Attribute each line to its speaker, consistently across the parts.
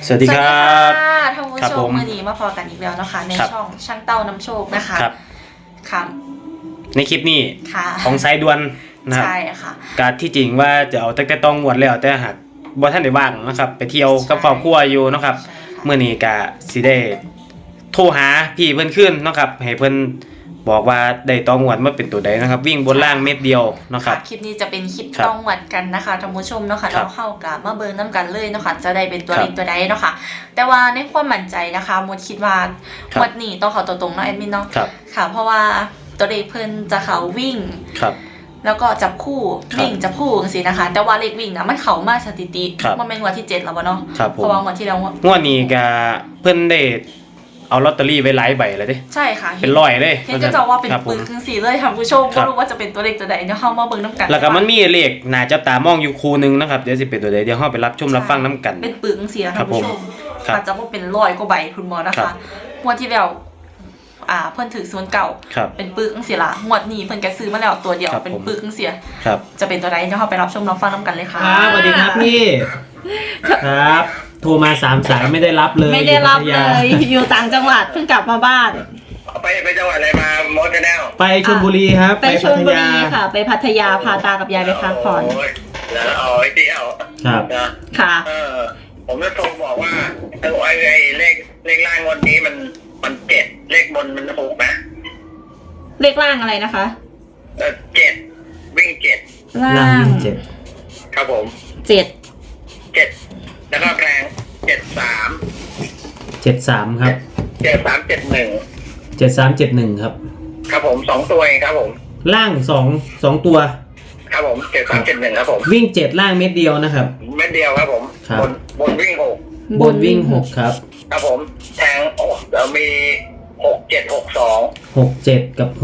Speaker 1: สวัสดีครับ
Speaker 2: ท่านผู้ชมมือนี้มาพอกันอีกแล้วนะคะในช่องช่างเต้านำโชคนะคะครับ
Speaker 1: ในคลิปนี้ของสายด่วนนะครับ
Speaker 2: ใช่ค่ะ
Speaker 1: การที่จริงว่าจะเอาตั้งแต่ต้องวดแล้วแต่หากบ่ท่านได้ว่างนะครับไปเที่ยวกับครอบครัวอยู่นะครับเมื่อนี้ก็สิได้โทรหาพี่เพิ่นขึ้นนะครับให้เพิ่นบอกว่าได้ต้องวดมาเป็นตัวใดนะครับวิ่งบนล่างเม็ดเดียวนะครับ
Speaker 2: คลิปนี้จะเป็นคลิปต้องวดกันนะคะท่านผู้ชมเนาะค่ะเราเข้ากับมาเบิ่งน้ำกันเลยเนาะค่ะจะได้เป็นตัวเลขตัวใดเนาะค่ะแต่ว่าในความมั่นใจนะคะมดคิดว่างวดนี้ต้องเข้าตัวตรงเนาะแอดมินเนาะค่ะเพราะว่าตัวเลขเพิ่นจะเข้าวิ่งแล้วก็จับคู่วิ่งจับคู่จังซี่นะคะแต่ว่าเลขวิ่งนะมันเข้ามาสถิติมันเป็นงวดที่7แล้วบ่เนาะเพราะว่างวดที่แล้ว
Speaker 1: งวดนี้ก็เพิ่นได้เอาลอตเตอรี่ไว้หลายใบเลยดิ
Speaker 2: ใช่ค่ะ
Speaker 1: เป็นร้อยเลย
Speaker 2: เห็นจะว่าเป็นปึกคือ4เลยท่านผู้ชมบ่รู้ว่าจะเป็นตัวเลขตัวใดเดี๋ยวเฮามาเบิ่งนำกัน
Speaker 1: แล้วก็มันมีเลขน่าจับตามองอยู่คู่นึงนะครับเดี๋ยวสิเป็นตัวใดเดี๋ยวเฮาไปรับชมรับฟังนำกัน
Speaker 2: เป็นปึกจังซี่ท่านผู้ชมอาจจะบ่เป็น100กว่าใบคุณหมอนะคะงวดที่แล้วเพิ่นถือ0เก่าเป็นปึกจังซี่ล่ะงวดนี้เพิ่นก็ซื้อมาแล้วตัวเดียวเป็นปึกจังซี่จะเป็นตัวใดเดี๋ยวเฮาไปรับชมรับฟังนำกันเลยค่ะ
Speaker 1: สวัสดีครับพี่ครับโทรมา3 สายไม่ได้รับเลย
Speaker 2: ไม่ได้รับเลยอยู่ต่างจังหวัดเพิ่งกลับมาบ้าน
Speaker 3: ไปจังหวัดอะไรมาโมดแนล
Speaker 1: ไปชลบุรีครับ
Speaker 2: ไปชลบุรีค่ะไปพัทยาพาตากับยายไปพักผ่อน
Speaker 3: แล้วเอาไอ้เที่ยว
Speaker 1: ครับ
Speaker 2: ค่ะ
Speaker 3: ผมจะโทรบอกว่าไอ้เลขล่างวันนี้มัน7เลขบนมัน6นะ
Speaker 2: เลขล่างอะไรนะคะ
Speaker 3: 7วิ่ง7
Speaker 2: ล่างวิ่ง
Speaker 1: 7
Speaker 3: ครับผม7แล้วก็แพง
Speaker 1: 73ครับ7371ครับ
Speaker 3: ครับผม2ตัวเองครับผม
Speaker 1: ล่าง2ตัว
Speaker 3: ครับผม7371ครับผม
Speaker 1: วิ่ง7ล่างเม็ดเดียวนะครับ
Speaker 3: เม็ดเดียวครับผมบนวิ่ง6
Speaker 1: บนวิ่ง6ครับ
Speaker 3: ครับผมแทงเรามี67กับ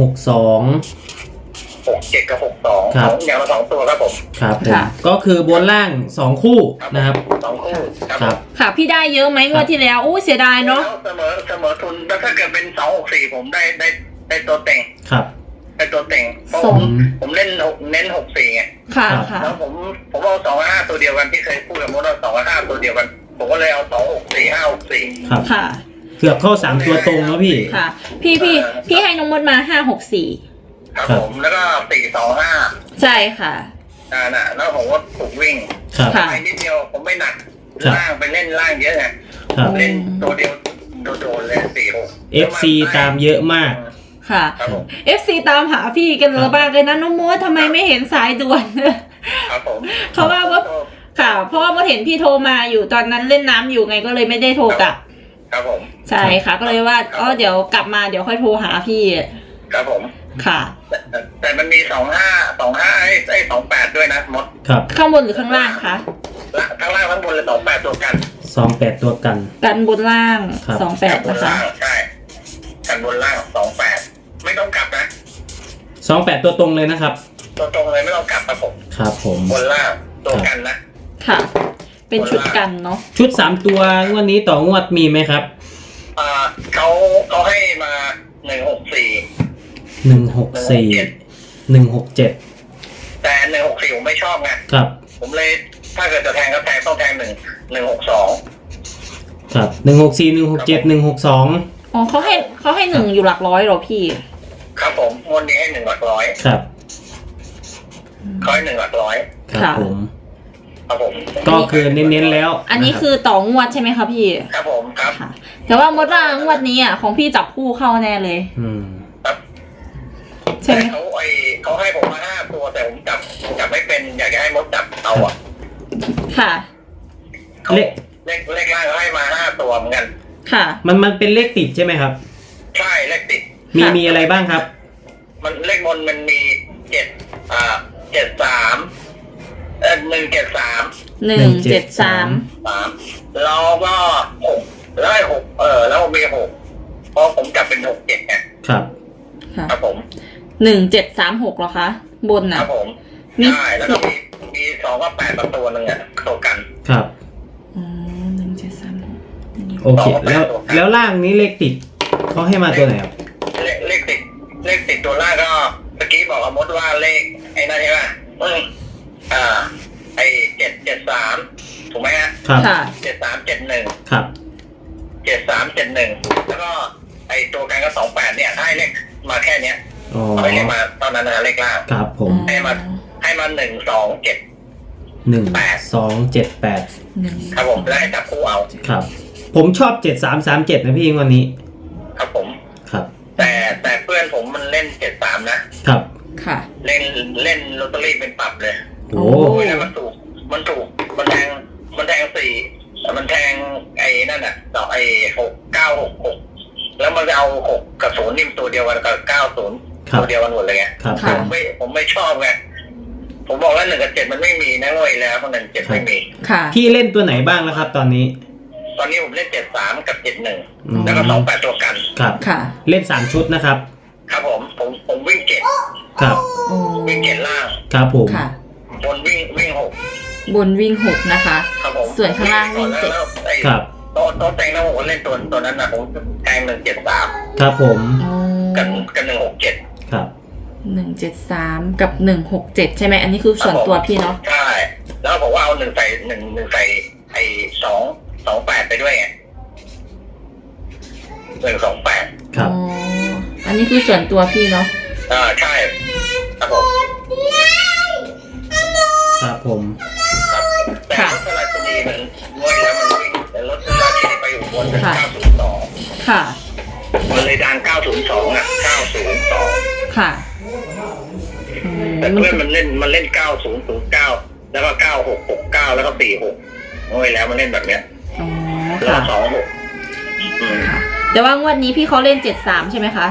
Speaker 3: 62
Speaker 1: ครับ
Speaker 3: อย่างละ2ตัวครับผม
Speaker 1: ครับก็คือบนล่าง2คู่นะครับ
Speaker 3: 2คู่
Speaker 1: ครับ
Speaker 2: ค่ะพี่ได้เยอะไหมงวดที่แล้วอู้เสียดายเนาะ
Speaker 3: เสมอทุนแล้วถ้าเกิดเป็น264ผมได้ตัวเต็ง
Speaker 1: ครับ
Speaker 3: ได้ตัวเต็งผมเน้น64ไง
Speaker 2: ค่ะ
Speaker 3: แล้วผมเอา255ตัวเดียวกันที่เคยพูดกับมดว่า255ตัวเดียวกันผมก็เลยเอา264 564
Speaker 1: ครับค่ะเกือบเข้า3ตัวตรงแล้วพี่
Speaker 2: ค่ะพี่ให้น้องมดมา564
Speaker 3: ครับผมแล้วก็425
Speaker 2: ใช่ค่ะ
Speaker 3: น่ะแล้วผมก็ถูกวิ่งไปนิดเดียวผมไม่หนักล่างไปเล่นล่างเยอะไงเล่นตัวเดียวโดนเลย46
Speaker 1: FC ตามเยอะมาก
Speaker 2: ค่ะ FC ตามหาพี่กันเลยบ้างเลยนะน้องมดทำไมไม่เห็นสายด่วน
Speaker 3: ครับผม
Speaker 2: เพราะว่าค่ะเพราะว่ามดเห็นพี่โทรมาอยู่ตอนนั้นเล่นน้ำอยู่ไงก็เลยไม่ได้โทรกลับ
Speaker 3: ครับผม
Speaker 2: ใช่ค่ะก็เลยว่าเดี๋ยวกลับมาเดี๋ยวค่อยโทรหาพี่
Speaker 3: ครับผม
Speaker 2: ค่ะ
Speaker 3: แต่มันมี25ไอ้28ด้วยนะมด
Speaker 1: ครับ
Speaker 2: ข้างบนหรือข้างล่างคะ
Speaker 3: ข้างล่างข้างบนเลย28ตัวกัน
Speaker 1: 28ตัว
Speaker 2: กันบนล่าง28นะคะ
Speaker 3: ใช่กันบนล่าง28ไม่ต้องกลับนะ
Speaker 1: 28ตัวตรงเลยนะครับ
Speaker 3: ตัวตรงเลยไม่ต้องกลับครับผม
Speaker 1: ครับผม
Speaker 3: บนล่างตัวกันนะ
Speaker 2: ค่ะเป็นชุดกันเนาะ
Speaker 1: ชุด3ตัวงวดนี้ต่องวดมีไหมครับ
Speaker 3: เขาให้มา
Speaker 1: 164
Speaker 3: แต่164ผมไม่ชอบไง
Speaker 1: ครับ
Speaker 3: ผมเลยถ้าเกิดจะแทงก็ต้องแทง162
Speaker 1: ครับ164 167 162
Speaker 2: อ๋อเขาให้1อยู่หลักร้อยหรอพี่
Speaker 3: ครับผมงวดนี้ให้1หลักร้อย
Speaker 1: ครับ
Speaker 3: เขาให้1หลักร้อย
Speaker 1: ครับผมก็คือเน้นๆแล้ว
Speaker 2: อันนี้คือต่องวดใช่ไหมคะพี่
Speaker 3: ครับผมครับ
Speaker 2: แต่ว่ามดว่างวดนี้ของพี่จับคู่เข้าแน่เลย
Speaker 3: ใช่ไหมเขาให้ผมมา5ตัวแต่ผมจับไม่เป็นอยากจะให้มดจับเอา
Speaker 2: ค่ะ
Speaker 3: เลขล่างเขาให้มา5ตัวเหมือนกัน
Speaker 2: ค่ะ
Speaker 1: มันเป็นเลขติดใช่ไหมครับ
Speaker 3: ใช่เลขติด
Speaker 1: มีอะไรบ้างครับ
Speaker 3: มันเลขบนมันมี73 173แล้วก็6แล้ว6แล้วมี6เพราะผมจับเป็น67ไงครับผม
Speaker 2: 1736เหรอคะบนน่ะ
Speaker 3: ครับผมใช่แล้วก็มี2กับ8ประตูนึงอ่ะตัวกัน
Speaker 1: ครับ1736โอเคแล้วล่างนี้เลขติดเขาให้มาตัวไหนครับ
Speaker 3: เลขติดตัวล่างก็เมื่อกี้บอกกับมดว่าเลขไอ้นั่นใช่ไหมไอ้773ผมไหมฮะ
Speaker 1: ครับ
Speaker 2: ค่ะ
Speaker 3: 7371
Speaker 1: ครับ
Speaker 3: 7371แล้วก็ไอตัวกันก็28เนี่ยให้เลขมาแค่เนี้ย
Speaker 1: อ๋อ
Speaker 3: ไม่ได้มาตอนนั้นนะเลขล่าง
Speaker 1: ครับผม
Speaker 3: ให้มา127
Speaker 1: 1278
Speaker 3: ครับผมแล้วให้จับคู่เอา
Speaker 1: ครับ ผมชอบ7337นะพี่วันนี้
Speaker 3: ครับผม
Speaker 1: ครับ
Speaker 3: แต่เพื่อนผมมันเล่น73นะครับ
Speaker 2: ค่ะ
Speaker 3: เล่นลอตเตอรี่เป็นปรับเลย
Speaker 1: โอ้
Speaker 3: โอ้ยแล้วมันถูกมันแทง4มันแทงไอ้นั่นน่ะดอกไอ้6966แล้วมันจะเอา6กับ0นิ่มตัวเดียวกันกับ90ตัวเดียวกันหมดเลยไง
Speaker 1: ครับ
Speaker 2: ค่ะ
Speaker 3: ผมไม่ชอบไงผมบอกแล้ว1กับ7มันไม่มีนะเว้ยแล้วเพราะ1 7ไม่มี
Speaker 2: ค่ะ
Speaker 1: พี่เล่นตัวไหนบ้างแล้วครับตอนนี้
Speaker 3: ตอนนี้ผมเล่น73กับ
Speaker 1: อืม
Speaker 3: 71แล้วก็28ตัวกัน
Speaker 1: ครับ
Speaker 2: ค่ะ
Speaker 1: เล่น3ชุดนะครับ
Speaker 3: ครับผมวิ่ง7
Speaker 1: ครับ
Speaker 2: โอ้
Speaker 3: วิ่ง7ล่าง
Speaker 1: ครับผม
Speaker 2: ค่ะ
Speaker 3: บนวิ่ง6
Speaker 2: บนวิ่ง6นะคะ
Speaker 3: ครับผม
Speaker 2: ส่วนข้างล่างวิ่ง7
Speaker 3: แล้วไอ้
Speaker 1: ครับ
Speaker 3: โต๊ะแตงนะผมเล่นตัวนั้นนะผมแทง173
Speaker 1: ครับผม
Speaker 2: โอ้
Speaker 3: กัน167
Speaker 1: ครับ
Speaker 2: 173กับ167ใช่ไหมอันนี้คือส่วนตัวพี่เนาะ
Speaker 3: ใช่แล้วบอกว่าเอา1ใส่ไอ้228ไปด้วยไง128
Speaker 1: ครับ
Speaker 2: อ๋ออันนี้คือส่วนตัวพี่เนาะ
Speaker 3: ใช่ครับผม
Speaker 1: ครับผม
Speaker 3: ครับแต่รถสลาชนีมันงวยแล้วมันวิ่งแต่รถสลาชนีไปอยู่บนเป็น902
Speaker 2: ค่ะ
Speaker 3: มันเลยดัง902อ่ะ902
Speaker 2: ค่ะ
Speaker 3: แต่เพื่อนมันเล่น9009แล้วก็9669แล้วก็46งวยแล้วมันเล่นแบบเนี้ย
Speaker 2: อ๋อ
Speaker 3: แล้ว
Speaker 2: ค่ะ
Speaker 3: ก็26
Speaker 2: ค่ะ แต่ว่างวดนี้พี่เขาเล่น73ใช่ไหมคะ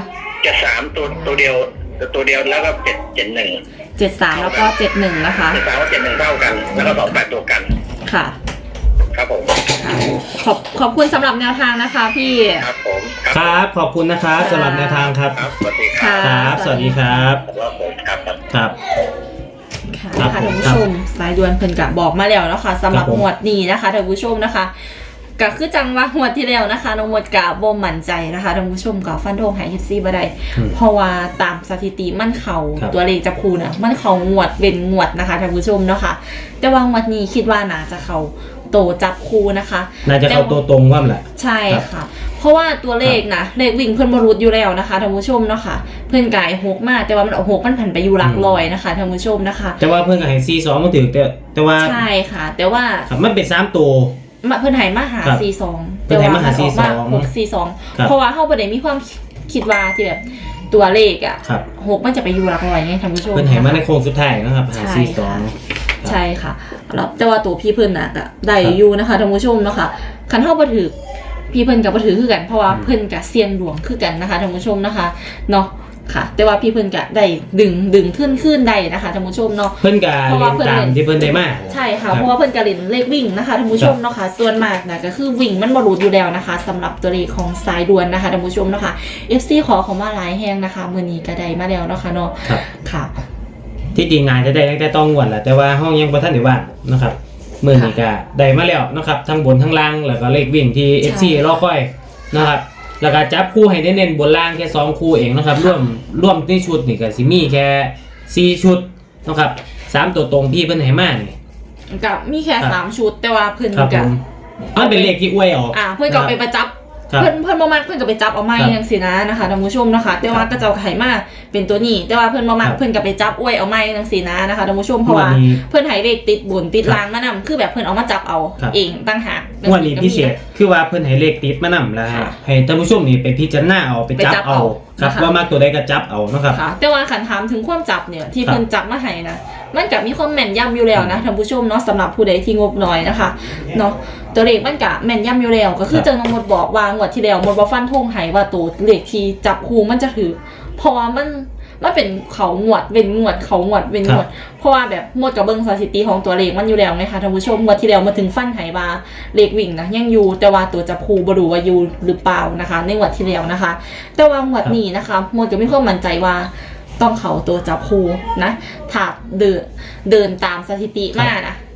Speaker 3: 73ตัวเดียวแล้วก็771
Speaker 2: 73แล้วก็71นะคะ
Speaker 3: 73กับ71เท่ากัน แล้วก็28ตัวกัน
Speaker 2: ค่ะ
Speaker 3: ครับผม
Speaker 2: ขอบคุณสำหรับแนวทางนะคะ พี่
Speaker 3: ครับผม
Speaker 1: ครับขอบคุณนะครับสำหรับแนวทางครับ
Speaker 3: ครับสวัสดีครั
Speaker 2: ค่ะ
Speaker 1: ครับ สวัสดีครับ
Speaker 3: ผมครับ
Speaker 1: ครับ
Speaker 2: ค่ะ
Speaker 1: ครับ
Speaker 2: ท่าน
Speaker 1: ผม
Speaker 2: ผู้ชมสายด่วนเพิ่นกะบอกมาแล้วนะคะสำหรับ
Speaker 1: ครับผม
Speaker 2: หมวดนี้นะคะท่านผู้ชมนะคะก็คือจังว่าหมวดที่แล้วนะคะน้องหมวดกะบ่มั่นใจนะคะท่านผู้ชมก็ฟันธงให้14บ่ได้
Speaker 1: อืม
Speaker 2: เพราะว่าตามสถิติมันเขา
Speaker 1: ครับ
Speaker 2: ตัวเลขจับคูน่ะมันเขางวดเป็นงวดนะคะท่านผู้ชมเนาะค่ะแต่ว่างวดนี้คิดว่าน่าจะเขาโตจับคูนะคะ
Speaker 1: น่าจะเข้าตัวตรงว่าแหละ
Speaker 2: ใช่ค่ะ เพราะว่าตัวเลขนะเลขวิ่งเพิ่นบรุษอยู่แล้วนะคะท่านผู้ชมเนาะค่ะเพิ่นกาย6มากแต่ว่ามันเอา6มันผันไปอยู่หลักร้อยนะคะท่านผู้ชมนะคะ
Speaker 1: แต่ว่าเพื่อนกับไฮซี2มาถือแต่ว่า
Speaker 2: ใช่ค่ะ แต่ว่า
Speaker 1: ครับมันเป็น3ตัว
Speaker 2: เพิ่นให้มาหา
Speaker 1: ครับ
Speaker 2: 42
Speaker 1: เพิ่นให้มาหา
Speaker 2: แต่ว่นออก
Speaker 1: ครับ
Speaker 2: 642เพราะว่าเฮาบ่ได้มีความคิดว่าที่แบบตัวเลขอ่ะ
Speaker 1: ครับ
Speaker 2: 6มันจะไปอยู่หลักร้อยไงท่านผู้ชม
Speaker 1: เพื่อนให้มาใน
Speaker 2: นะคะ
Speaker 1: โค้งสุดท้ายนะครับหาซี
Speaker 2: ใช่ค่ะ
Speaker 1: 2
Speaker 2: ใช่ค่ะแล้วแต่ว่าตัวพี่เพิ่นน่ะก็ได้อยู่นะคะท่านผู้ชมเนาะค่ะคันเฮาบ่ถือพี่เพิ่นก็บ่ถือคือกันเพราะว่าเพิ่นก็เสี่ยงดวงคือกันนะคะท่านผู้ชมนะคะเนาะค่ะ แต่ว่าพี่เพิ่นก็ได้ดึงขึ้นได้นะคะท่านผู้ชมเนาะ
Speaker 1: เพื่อนกับ
Speaker 2: เพราะ
Speaker 1: เล่
Speaker 2: ว่าน เพิ่น
Speaker 1: ตาม
Speaker 2: เล่น
Speaker 1: ที่เพื่อนได้มาก
Speaker 2: ใช่ค่ะเพราะว่าเพิ่นก็เล่นเลขวิ่งนะคะท่านผู้ชมเนาะค่ะส่วนมากนะก็คือวิ่งมันบ่รูดอยู่แล้วนะคะสำหรับตัวเลขของสายด่วนนะคะท่านผู้ชมเนาะค่ะ FC ขอเขามาหลายแฮงนะคะมื้อนี้ก็ได้มาแล้วเนาะค่ะเนาะ
Speaker 1: ครับ
Speaker 2: ค่ะ
Speaker 1: ที่จริงงานจะได้ตั้งแต่ต้องงวดแหละแต่ว่าห้องยังบ่ทันได้ว่างนะครับมื้อนี้ก็ได้มาแล้วนะครับทั้งบนทั้งล่างแล้วก็เลขวิ่งที่ FC รอคอยนะครับแล้วก็จับคู่ให้ได้เน้นบนล่างแค่2คู่เองนะครับร่วมในชุดนี่ก็สิมีแค่4ชุดนะครับ3ตัวตรงพี่เพิ่นให้มานี่
Speaker 2: ก็มีแค่
Speaker 1: ครับ
Speaker 2: 3ชุดแต่ว่าเพิ่น
Speaker 1: ครับผ
Speaker 2: ก็
Speaker 1: มมันเป็นเลขที่อวยออก
Speaker 2: เพิ่นก็เอาไปประจับ
Speaker 1: ครับ
Speaker 2: เพิ่นบ่มักเพิ่นก็ไปจับเอาไม้
Speaker 1: ครับ
Speaker 2: จังซี่นะนะคะท่านผู้ชมนะคะแต่ว่าก็จะเอาไข่มาเป็นตัวนี้ แต่ว่าเพิ่นบ่มัก
Speaker 1: ครับ
Speaker 2: เพิ่นก็ไปจับอวยเอาไม้จังซี่นะนะคะท่านผู้ชมเพราะว่า
Speaker 1: วันนี้
Speaker 2: เพิ่นให้เลขติดบนติด
Speaker 1: ครับ
Speaker 2: ล่างมานำคือแบบเพิ่นเอามาจับเอา
Speaker 1: ครับ
Speaker 2: เองต่างหาก
Speaker 1: งวดนี้พิเศษคือว่าเพิ่นให้เลขติดมานำแล้ว
Speaker 2: ค่ะ
Speaker 1: ให้ท่านผู้ชมนี่ไปพิจารณาเอาไปจับเอาครับ
Speaker 2: นะคะ
Speaker 1: ว่ามากตัวใดก็จับเอานะครับ
Speaker 2: ค่ะแต่ว่าขันถามถึงความจับเนี่ยที่
Speaker 1: ครับ
Speaker 2: เพิ่นจับมาให้นะมันก็มีความแม่นยำอยู่แล้วนะท่านผู้ชมเนาะสำหรับผู้ใดที่งบน้อยนะคะเนาะตัวเลขมันก็แม่นยำอยู่แล้วก็คือ
Speaker 1: ครับ
Speaker 2: เจังน้องมดบอกว่างวดที่แล้วมดบ่ฟันธงให้ว่าตัวเลขที่จับคู่มันจะถือเพราะว่ามันเป็นเขางวดเว้นงวดเขางวดเว้นงวด เพราะว่าแบบหมดกับเบิ่งสถิติของตัวเลขมันอยู่แล้วไงคะท่านผู้ชมงวดที่แล้วมาถึงฟันไหว่าเลขวิ่งนะยังอยู่แต่ว่าตัวจับคู่บ่รู้ว่าอยู่หรือเปล่านะคะ ในงวดที่แล้วนะคะ แต่ว่างวดนี้นะคะหมดก็มีความมั่นใจว่าต้องเขาตัวจับคู่นะถ้าเดินตามสถิติมานะ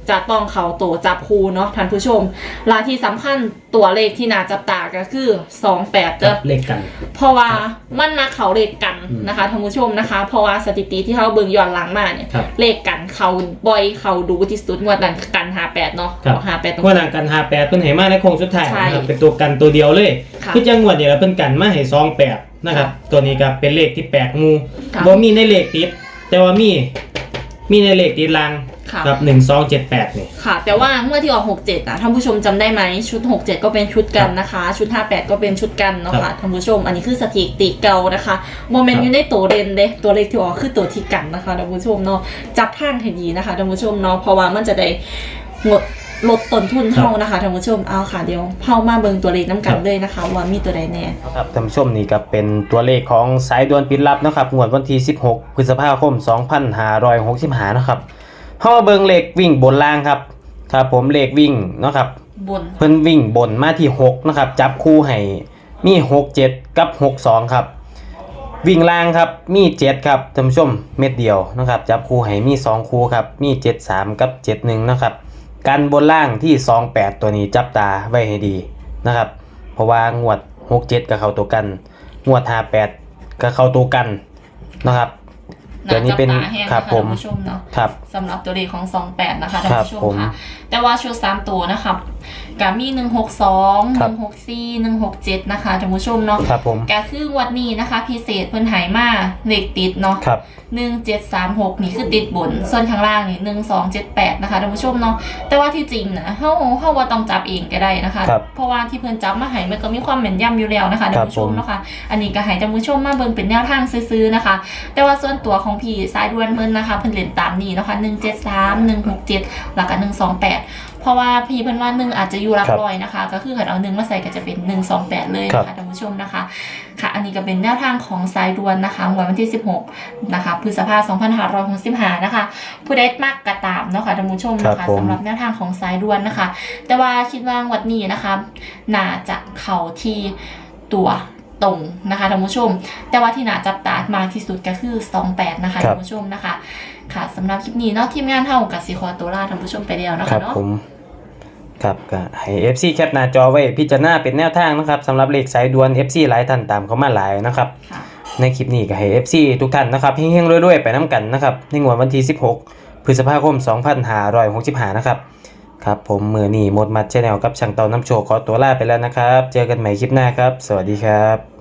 Speaker 2: จะต้องเข้าตัวจับคู่เนาะท่านผู้ชมลาที่สำคัญตัวเลขที่น่าจับตาก็คือ28เด้อ
Speaker 1: เลขกัน
Speaker 2: เพราะว่ามันมาเขาเลขกันนะคะท่านผู้ชมนะคะเพราะว่าสถิติที่เขาเบิ่งย้อนหลังมาเนี่ยเลขกันเขาบ่อยเขาดูที่สุดงวดนั้นกัน58เนาะ58ตรง
Speaker 1: งวดนั้นกัน58เพิ่นให้มาในโค้งสุดท้ายนะครับเป็นตัวกันตัวเดียวเลยที่จังหวัดเนี่ยเพิ่นกันมาให้28นะครับตัวนี้ก็เป็นเลขที่แปลกงูบ่มีในเลขติดแต่ว่ามีในเลขติดลังครับ1278นี่
Speaker 2: ค่ะแต่ว่าเมื่อที่ออก67นะท่านผู้ชมจำได้ไหมชุด67ก็เป็นชุดกันนะคะชุด58ก็เป็นชุดกันเนาะค่ะท่านผู้ชมอันนี้คือสถิติเก่านะคะโมเมนต์อยู่ในตัวเด่นเด้ตัวเลขที่ออกคือตัวที่กันนะคะท่านผู้ชมเนาะจับทางให้ดีนะคะท่านผู้ชมเนาะเพราะว่ามันจะได้ลดต้นทุนเฮานะคะท่านผู้ชมเอาค่ะเดี๋ยวเฮามาเบิ่งตัวเลขน้ำกันเลยนะคะว่ามีตัวใดแน่
Speaker 1: ครับท่านผู้ชมนี่ก็เป็นตัวเลขของสายด่วนปิดลับนะครับงวดวันที่16พฤษภาคม2565นะครับเฮามาเบิ่งเลขวิ่งบนล่างครับครับผมเลขวิ่งเนาะครับ
Speaker 2: บน
Speaker 1: เพิ่นวิ่งบนมาที่6นะครับจับคู่ให้มี67กับ62ครับวิ่งล่างครับมี7ครับท่านผู้ชมเม็ดเดียวนะครับจับคู่ให้มี2คู่ครับมี73กับ71นะครับกันบนล่างที่28ตัวนี้จับตาไว้ให้ดีนะครับเพราะว่างวด67ก็เข้าตัวกันงวด58ก็เข้าตัวกันนะครับตัวนี้เป็นครับผม
Speaker 2: ครับสำหรับตัวเลขของ28นะคะท่านผู้ชมค่ะแต่ว่าชุด3ตัวนะครับก็มี162 164 167นะคะท่านผู้ชมเนาะก็คืองวดนี้นะคะพิเศษเพิ่นหายมาเลขติดเนาะ1736นี่คือติดบนส่วนข้างล่างนี่1278นะคะท่านผู้ชมเนาะแต่ว่าที่จริงนะเฮาว่าต้องจับเองก็ได้นะคะเพราะว่าที่เพิ่นจับมาให้มันก็มีความแม่นยำอยู่แล้วนะคะท่านผู้ชมเนาะค่ะอันนี้ก็ให้ท่านผู้ชมมาเบิ่งเป็นแนวทางซื้อๆนะคะแต่ว่าส่วนตัวของพี่สายด่วนเพิ่นนะคะเพิ่นเล่นตามนี้นะคะ173 167แล้วก็128เพราะว่าพี่เพิ่นว่า1อาจจะอยู่หลักร้อยนะคะก็คือเกิดเอา1มาใส่ก็จะเป็น128เลยนะคะท่านผู้ชมนะคะค่ะอันนี้ก็เป็นแนวทางของสายด่วนนะคะงวดวันที่16นะคะพฤษภาคม2565นะคะผู้ใดมักกระตามเนาะค่ะท่านผู้ชมนะคะสำหรับแนวทางของสายด่วนนะคะแต่ว่าคิดว่างวดนี้นะคะน่าจะเข้าที่ตัวตรงนะคะท่านผู้ชมแต่ว่าที่น่าจับตามากที่สุดก็คือ28นะคะท่านผู้ชมนะคะค่ะสำหรับคลิปนี้เนาะทีมงานเฮากับสิขอตัวลาท่านผู้ชมไปแล้วนะคะเนาะ
Speaker 1: ครับก็ให้ FC แคปหน้าจอไว้พิจารณาเป็นแนวทางนะครับสำหรับเลขสายด่วน FC หลายท่านตามเข้ามาหลายนะครับในคลิปนี้ก็ให้ FC ทุกท่านนะครับเฮงๆรวยๆไปน้ำกันนะครับในงวดวันที่16พฤษภาคม2565นะครับครับผมมือนี้หมดมัด Channel กับช่างเตาน้ำโชคขอตัวลาไปแล้วนะครับเจอกันใหม่คลิปหน้าครับสวัสดีครับ